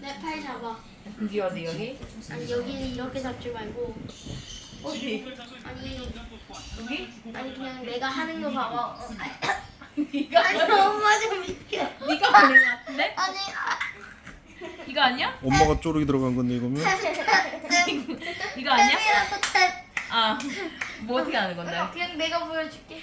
내 팔 잡아. 여기 어디 여기? 아니 여기는 이렇게 잡지 말고. 어디? 아니 여기? 아니 그냥 내가 하는 거 봐봐. 네가 아니 엄마 좀 비켜. 네가 보는 거 같은데? 아니 이거 아니야? 엄마가 쪼르기 들어간 건데 이거면? 이거 아니야? 탭이라도 탭. 아, 뭐 어떻게 하는 건데? 그냥 내가 보여줄게.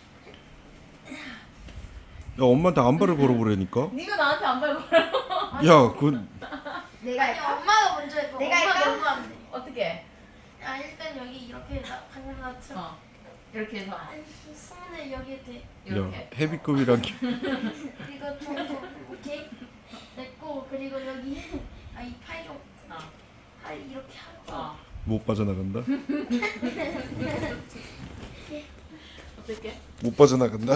야 엄마한테 안발을 걸어보라니까. 네가 나한테 안 밟고 그러고. 야 그 내가 아니 엄마가 먼저 해봐. 내가 엄마가 너무 안 돼. 어떻게? 아 일단 여기 이렇게 방금 나처럼. 이렇게 해서 아니 손을 여기에 대. 야 이렇게. 헤비급이란 게. 그리고 좀 오케이 됐고 그리고 여기 아이 팔 좀. 팔 이렇게 하고. 못 빠져나간다. 어떻게? 못 빠져나간다.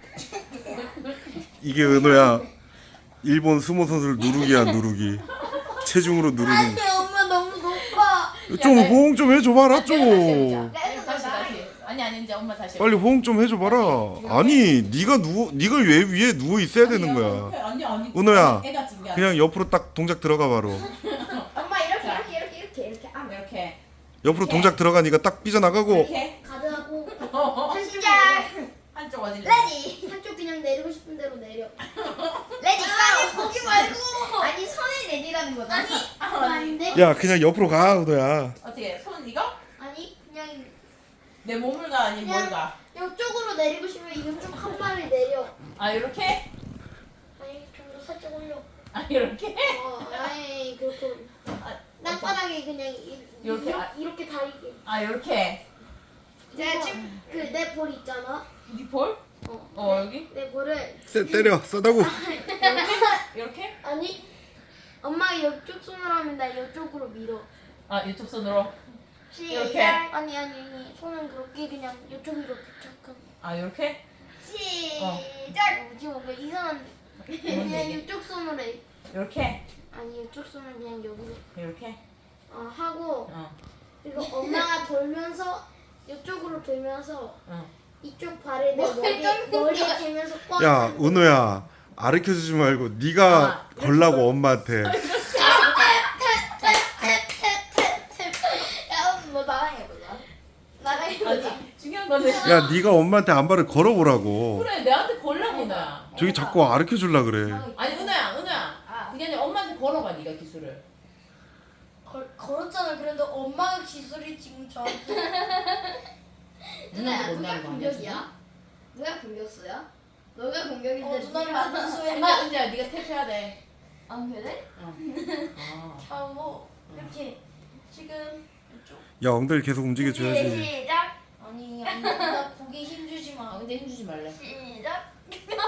이게 은호야. 일본 스모 선수를 누르기야 누르기. 체중으로 누르는. 아니 엄마 너무 높아. 좀 호응 좀 해줘봐라 좀. 다시. 아니 이제 엄마 다시. 빨리 호응 좀 해줘봐라. 아니 네가 왜 위에 누워 있어야 되는 거야. 아니. 은호야. 애가 준비한. 그냥 옆으로 딱 동작 들어가 바로. 엄마 이렇게 안 이렇게. 옆으로 동작 들어가니까 딱 삐져나가고. 이렇게. 가드하고 시작. 한쪽 어디? 레디 한쪽 그냥 내리고 싶은 대로 내려. 레디 아니 거기 말고 아니 손을 내리라는 거다. 아니 아닌데? 야 그냥 옆으로 가 은호야. 어떻게? 손 이거? 아니 그냥 내 몸을 가 아니 뭘 가? 이쪽으로 내리고 싶으면 이쪽 한 발을 내려. 아 이렇게? 아니 좀 더 살짝 올려. 아 이렇게? 아니 그렇게 아, 땅바닥에 그냥 이렇게? 이렇게 다리게. 아 이렇게. 내가 지금 그 내 볼 있잖아. 네 볼? 여기? 내 볼을 때려 싸다고. 이렇게? 아니 엄마가 이쪽 손으로 하면 나 이쪽으로 밀어. 아 이쪽 손으로. 이렇게? 아니 손은 그렇게 그냥 이쪽으로 부착하고. 아 이렇게? 시작. 뭐지 뭔가 이상한데. 그냥 얘기? 이쪽 손으로 해. 이렇게? 아니 이쪽 손은 그냥 여기로 이렇게? 하고 그리고 엄마가 돌면서 이쪽으로 돌면서 이쪽 발을 내 머리에 대면서 꽉. 야 은호야 가르쳐주지 말고 네가 걸라고 엄마한테. 야, 뭐 나랑 해볼라. 나랑 해볼라. 아니 중요한 거는 야 네가 엄마한테 안발을 걸어보라고. 그래 내한테 걸라고 나. 저기 자꾸 가르쳐줄라 그래. 아니 은호야 그게 아니라 엄마한테 걸어봐 네가 기술을. 걸었잖아. 그래도 엄마가 기술이 지금 저한테. 누나한테 못나는 거 아니야? 지금? 누가 공격수야? 너가 공격인데. 누나를 은지야 은지야 네가 탭해야 돼. 안 그래? 아. 하고 이렇게 지금 이쪽. 야 엉덩이 계속 움직여줘야지. 시작. 아니 나 고개 힘주지 마. 근데 힘주지 말래. 시작.